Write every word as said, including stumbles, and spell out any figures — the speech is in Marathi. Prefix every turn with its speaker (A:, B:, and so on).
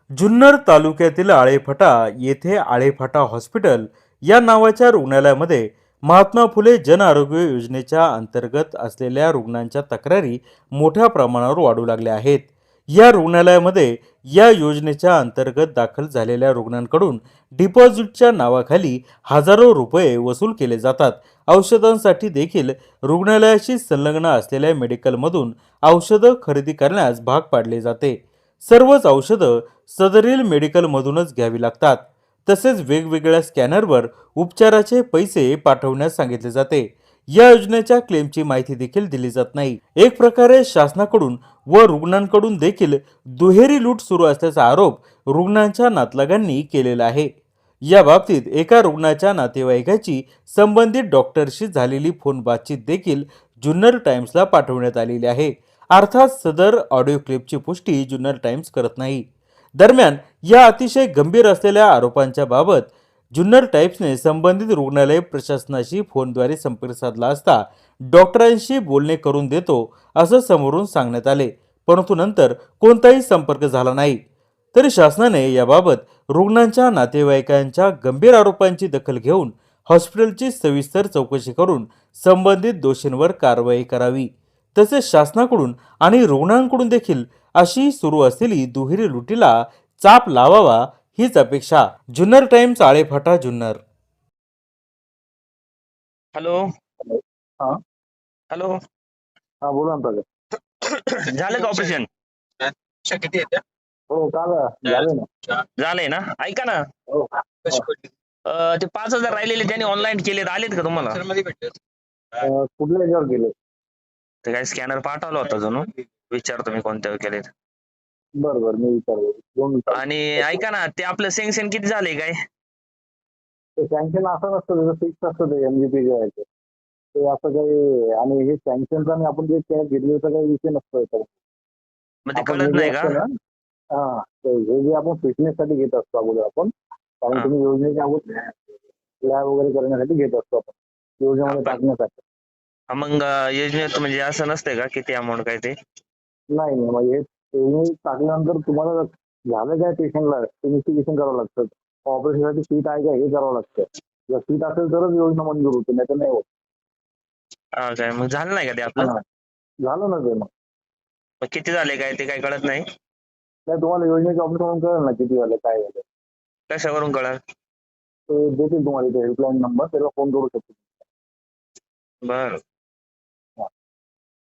A: जुन्नर तालुक्यातील आळेफाटा येथे आळेफाटा हॉस्पिटल या नावाच्या रुग्णालयामध्ये महात्मा फुले जन आरोग्य योजनेच्या अंतर्गत असलेल्या रुग्णांच्या तक्रारी मोठ्या प्रमाणावर वाढू लागल्या आहेत. या रुग्णालयामध्ये या योजनेच्या अंतर्गत दाखल झालेल्या रुग्णांकडून डिपॉझिटच्या नावाखाली हजारो रुपये वसूल केले जातात. औषधांसाठी देखील रुग्णालयाशी संलग्न असलेल्या मेडिकलमधून औषधं खरेदी करण्यास भाग पाडले जाते. सर्वच औषधं सदरील मेडिकलमधूनच घ्यावी लागतात. तसेच वेगवेगळ्या स्कॅनरवर उपचाराचे पैसे पाठवण्यास सांगितले जाते. या योजनेच्या क्लेमची माहिती देखील दिली जात नाही. एक प्रकारे शासनाकडून व रुग्णांकडून देखील दुहेरी लूट सुरू असल्याचा आरोप रुग्णांच्या नातलगांनी केलेला आहे. या बाबतीत एका रुग्णाच्या नातेवाईकाची संबंधित डॉक्टरशी झालेली फोन बातचीत देखील जुन्नर टाइम्सला पाठवण्यात आलेली आहे. अर्थात सदर ऑडिओ क्लिपची पुष्टी जुन्नर टाइम्स करत नाही. दरम्यान या अतिशय गंभीर असलेल्या आरोपांच्या बाबत जुन्नर टाइम्सने संबंधित रुग्णालय प्रशासनाशी फोनद्वारे संपर्क साधला असता डॉक्टरांशी बोलणे करून देतो असं समोरून सांगण्यात आले, परंतु नंतर कोणताही संपर्क झाला नाही. तरी शासनाने याबाबत रुग्णांच्या नातेवाईकांच्या गंभीर आरोपांची दखल घेऊन हॉस्पिटलची सविस्तर चौकशी करून संबंधित दोषींवर कारवाई करावी. तसेच शासनाकडून आणि रुग्णांकडून देखील अशी सुरू असलेली दुहेरी लुटीला चाप लावावा हीच अपेक्षा. जुन्नर टाइम्स आळेफाटा जुन्नर.
B: हॅलो
C: हा
B: हॅलो
C: हा बोला ना दादा.
B: झालं का ऑपरेशन?
D: किती येते?
C: हो का झालं ना.
B: झालंय ना. ऐका ना,
C: हो
D: कशी पडली?
B: अं, ते पाच हजार राहिलेले त्यांनी ऑनलाईन केलेत, आलेत का तुम्हाला?
D: सर मध्ये भेटले.
C: अं, कुठल्या याच्यावर गेले?
B: ते काय स्कॅनर पाठवला होता जणू, विचारतो मी कोणत्यावर केलेत.
C: बरं बरं मी विचारतो दोन विचार.
B: आणि ऐका ना, ते आपलं सँक्शन किती झालंय काय?
C: ते सँक्शन असं नसतं, त्याचं फिक्स असतं ते एमजीपी घ्यायचं ते असं काही. आणि हे सँक्शनचा आणि आपण जे कॅश घेतल्याचा काही विषय नसतो याच्यावर.
B: मग ते
C: आपण
B: कळत
C: हे जे
B: नाही का?
C: असतं ना, हा ते हे जे आपण फिटनेस साठी घेत असतो अगोदर आपण, कारण
B: हा.
C: तुम्ही योजनेच्या अगोदर लॅब वगैरे करण्यासाठी घेत असतो आपण, योजनेमध्ये
B: आपण-
C: टाकण्यासाठी.
B: हा, मग अं, योजनेत म्हणजे असं नसतंय का किती अमाऊंट काय ते?
C: नाही नाही म्हणजे हे योजनेत टाकल्यानंतर तुम्हाला झालं काय पेशंटला इन्व्हेस्टिगेशन करावं लागतं. ऑपरेशनसाठी सीट आहे का हे करावं लागतं. जर सीट असेल तरच योजना मंजूर होते, नाही तर नाही होत.
B: हा काय, मग झालं नाही का ते आपलं?
C: हा. झालं ना ते. मग
B: मग किती झाले काय ते काय कळत नाही?
C: नाही तुम्हाला योजनेचे ऑफिस म्हणून कळेल ना किती झालं काय झालं.
B: कशावरून कळल?
C: ते देतील तुम्हाला इथे हेल्पलाईन नंबर, त्याला फोन करू शकतो.
B: बर.